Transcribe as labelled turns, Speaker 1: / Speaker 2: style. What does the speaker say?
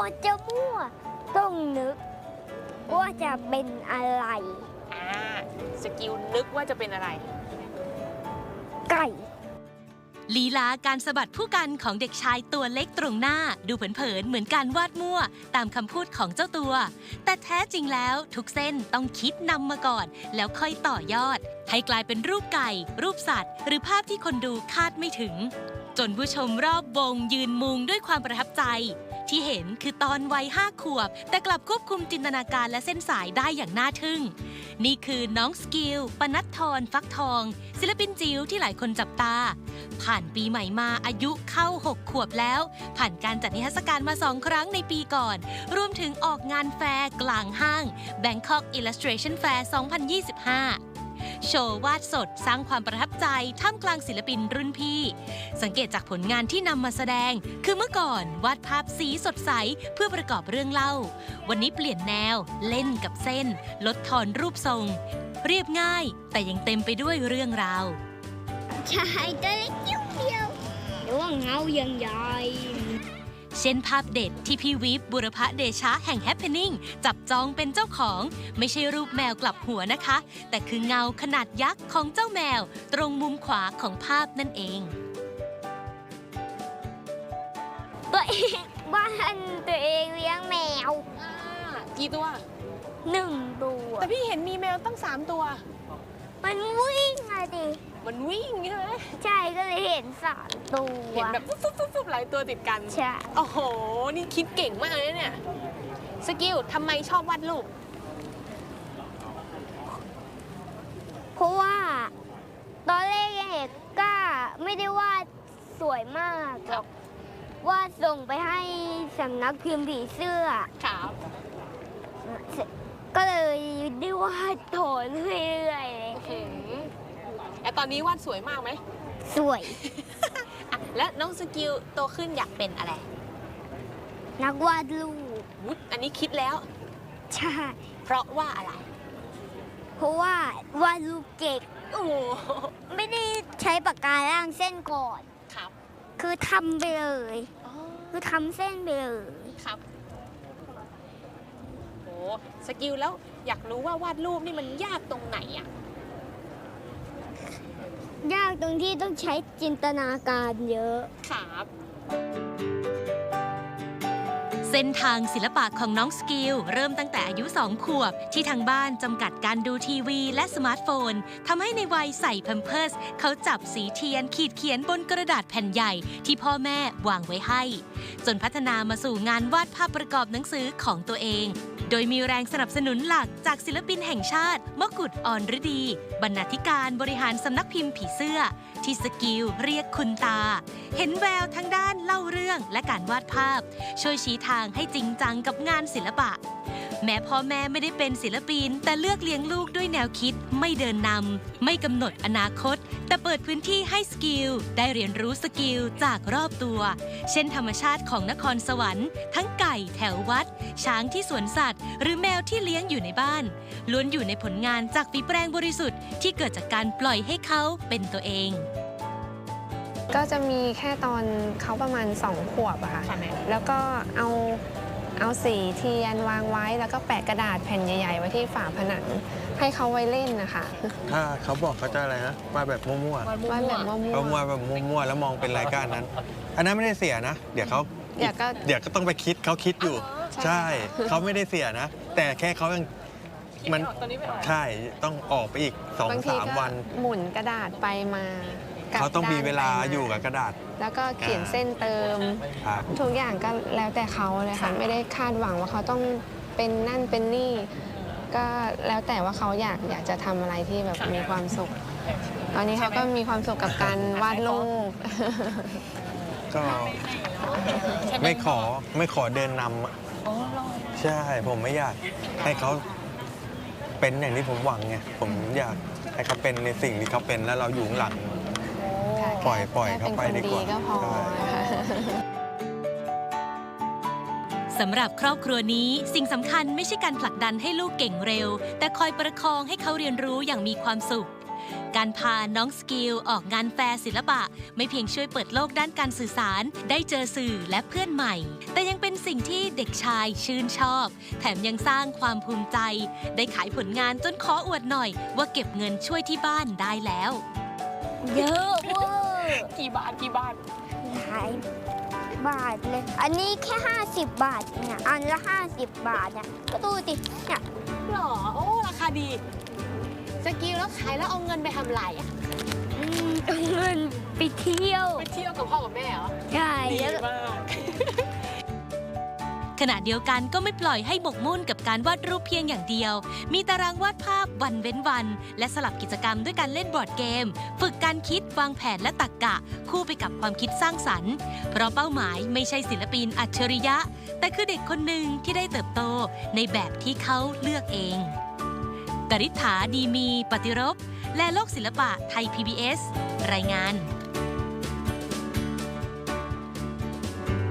Speaker 1: จะมั่วต้องนึกว่าจะเป็นอะไร
Speaker 2: สกิลนึกว่าจะเป็นอะไร
Speaker 1: ไก่
Speaker 3: ลีลาการสะบัดผู้กันของเด็กชายตัวเล็กตรงหน้าดูเผินๆเหมือนการวาดมั่วตามคำพูดของเจ้าตัวแต่แท้จริงแล้วทุกเส้นต้องคิดนำมาก่อนแล้วค่อยต่อยอดให้กลายเป็นรูปไก่รูปสัตว์หรือภาพที่คนดูคาดไม่ถึงจนผู้ชมรอบวงยืนมุงด้วยความประทับใจที่เห็นคือตอนวัย5 ขวบแต่กลับควบคุมจินตนาการและเส้นสายได้อย่างน่าทึ่งนี่คือน้องสกิลปนัดธรฟักทองศิลปินจิ๋วที่หลายคนจับตาผ่านปีใหม่มาอายุเข้า6 ขวบแล้วผ่านการจัดนิทรรศการมา2 ครั้งในปีก่อนรวมถึงออกงานแฟร์กลางห้าง Bangkok Illustration Fair 2025โชว์วาดสดสร้างความประทับใจท่ามกลางศิลปินรุ่นพี่สังเกตจากผลงานที่นำมาแสดงคือเมื่อก่อนวาดภาพสีสดใสเพื่อประกอบเรื่องเล่าวันนี้เปลี่ยนแนวเล่นกับเส้นลดทอนรูปทรงเรียบง่ายแต่ยังเต็มไปด้วยเรื่องราว
Speaker 1: ชายตัวเล็กยิ้วเดียวหรือว่าเงายังใหญ่
Speaker 3: เช่นภาพเด็ดที่พี่วิปบุรพเดชะแห่ง Happening จับจองเป็นเจ้าของไม่ใช่รูปแมวกลับหัวนะคะแต่คือเงาขนาดยักษ์ของเจ้าแมวตรงมุมขวาของภาพนั่นเอง
Speaker 1: ตัวเองบ้านตัวเองเลี้ยงแมว
Speaker 2: กี่ตัว
Speaker 1: 1 ตัว
Speaker 2: แต่พี่เห็นมีแมวตั้ง3 ตัว
Speaker 1: มันวิ่งอะดิ
Speaker 2: มันวิ่งใช่ไหม
Speaker 1: ใช่ก็เลยเห็น3 ตัว
Speaker 2: เห็นแบบฟุบๆหลายตัวติดกัน
Speaker 1: ใช่
Speaker 2: โอ้โหนี่คิดเก่งมากเลยเนี่ยสกิลทำไมชอบวาดรูป
Speaker 1: เพราะว่าตอนแรกเห็นก็ไม่ได้วาดสวยมากหรอกวาดส่งไปให้สำนักพิมพ์ผีเสื้อ
Speaker 2: ครับ
Speaker 1: ก็เลยได้วาดโถเรื่อย
Speaker 2: ๆแล้วตอนนี้วาดสวยมากไหม
Speaker 1: สวย
Speaker 2: แล้วน้องสกิลโตขึ้นอยากเป็นอะไร
Speaker 1: นักวาดรูป
Speaker 2: อันนี้คิดแล้ว
Speaker 1: ใช่
Speaker 2: เพราะว่าอะไร
Speaker 1: เพราะว่าวาดรูปเก่งไม่ได้ใช้ปากกาล่างเส้นก่อน
Speaker 2: ครับ
Speaker 1: คือทำไปเลยคือทำเส้นไปเลย
Speaker 2: ครับโอ้สกิลแล้วอยากรู้ว่าวาดรูปนี่มันยากตรงไหนอะ
Speaker 1: ยากตรงที่ต้องใช้จินตนาการเยอะ
Speaker 2: ครับ
Speaker 3: เส้นทางศิลปะของน้องสกิลเริ่มตั้งแต่อายุ2 ขวบที่ทางบ้านจำกัดการดูทีวีและสมาร์ทโฟนทำให้ในวัยใส่แพมเพิร์สเขาจับสีเทียนขีดเขียนบนกระดาษแผ่นใหญ่ที่พ่อแม่วางไว้ให้จนพัฒนามาสู่งานวาดภาพประกอบหนังสือของตัวเองโดยมีแรงสนับสนุนหลักจากศิลปินแห่งชาติมกุฎอ่อนฤดีบรรณาธิการบริหารสำนักพิมพ์ผีเสื้อที่สกิลเรียกคุณตาเห็นแววทั้งด้านเล่าเรื่องและการวาดภาพช่วยชี้ทางให้จริงจังกับงานศิลปะแม้พ่อแม่ไม่ได้เป็นศิลปินแต่เลือกเลี้ยงลูกด้วยแนวคิดไม่เดินนำไม่กำหนดอนาคตแต่เปิดพื้นที่ให้สกิลได้เรียนรู้สกิลจากรอบตัวเช่นธรรมชาติของนครสวรรค์ทั้งไก่แถววัดช้างที่สวนสัตว์หรือแมวที่เลี้ยงอยู่ในบ้านล้วนอยู่ในผลงานจากฝีแปรงบริสุทธิ์ที่เกิดจากการปล่อยให้เขาเป็นตัวเอง
Speaker 4: ก็จะมีแค่ตอนเขาประมาณ2 ขวบอะค่ะแล้วก็เอาสีเทียนวางไว้แล้วก็แปะกระดาษแผ่นใหญ่ๆไว้ที่ฝาผนังให้เขาไว้เล่นนะคะ
Speaker 5: ถ้าเขาบอกเขาจะอะไรนะวาดแบบมั่วๆ
Speaker 4: วาดแบบมั่ว
Speaker 5: ๆแบบมั่วๆแล้วมองเป็นรายการนั้นอันนั้นไม่ได้เสียนะเดี๋ยวก็ต้องไปคิดเขาคิดอยู่ใช่เขาไม่ได้เสียนะแต่แค่เขายังมันใช่ต้องออกไปอีก 2-3 วัน
Speaker 4: หมุนกระดาษไปมา
Speaker 5: เขาต้องมีเวลาอยู่กับกระดาษ
Speaker 4: แล้วก็เขียนเส้นเติมทุกอย่างก็แล้วแต่เขาเลยค่ะไม่ได้คาดหวังว่าเขาต้องเป็นนั่นเป็นนี่ก็แล้วแต่ว่าเขาอยากจะทำอะไรที่แบบมีความสุขตอนนี้เขาก็มีความสุขกับการวาดรูป
Speaker 5: ก็ไม่ขอเดินนำใช่ผมไม่อยากให้เขาเป็นอย่างที่ผมหวังไงผมอยากให้เขาเป็นในสิ่งที่เขาเป็นแล้วเราอยู่ข้างหลังปล่อยเขาไปดีกว่า
Speaker 3: สำหรับครอบครัวนี้สิ่งสำคัญไม่ใช่การผลักดันให้ลูกเก่งเร็วแต่คอยประคองให้เขาเรียนรู้อย่างมีความสุขการพาน้องสกิลออกงานแฟร์ศิลปะไม่เพียงช่วยเปิดโลกด้านการสื่อสารได้เจอสื่อและเพื่อนใหม่ แต่ยังเป็นสิ่งที่เด็กชายชื่นชอบ แถมยังสร้างความภูมิใจ ได้ขายผลงานจนขออวดหน่อยว่าเก็บเงินช่วยที่บ้านได้แล้ว
Speaker 1: เยอะเวอร์
Speaker 2: กี่บาท
Speaker 1: หลายบาทเลย อันนี้แค่ 50 บาทเนี่ยอันละ 50 บาทเนี่ยก็ดูสิเนี่ย
Speaker 2: หรอ โอ้ ราคาดี สกิลแล้วขายแล้วเอาเงินไปทำอะไรอ่ะ
Speaker 1: เอาเงินไปเที่ยว
Speaker 2: ไปเที่ยวกับพ่อกับแม่เหรอ
Speaker 1: ใช่
Speaker 2: ดี
Speaker 1: แล้ว
Speaker 2: มาก
Speaker 3: ขณะเดียวกันก็ไม่ปล่อยให้หมกมุ่นกับการวาดรูปเพียงอย่างเดียว มีตารางวาดภาพวันเว้นวัน และสลับกิจกรรมด้วยการเล่นบอร์ดเกม ฝึกการคิดวางแผนและตรรกะ คู่ไปกับความคิดสร้างสรรค์ เพราะเป้าหมายไม่ใช่ศิลปินอัจฉริยะ แต่คือเด็กคนหนึ่งที่ได้เติบโตในแบบที่เขาเลือกเองกฤษฐาดีมีปฏิรบและโลกศิลปะไทย PBS รายงาน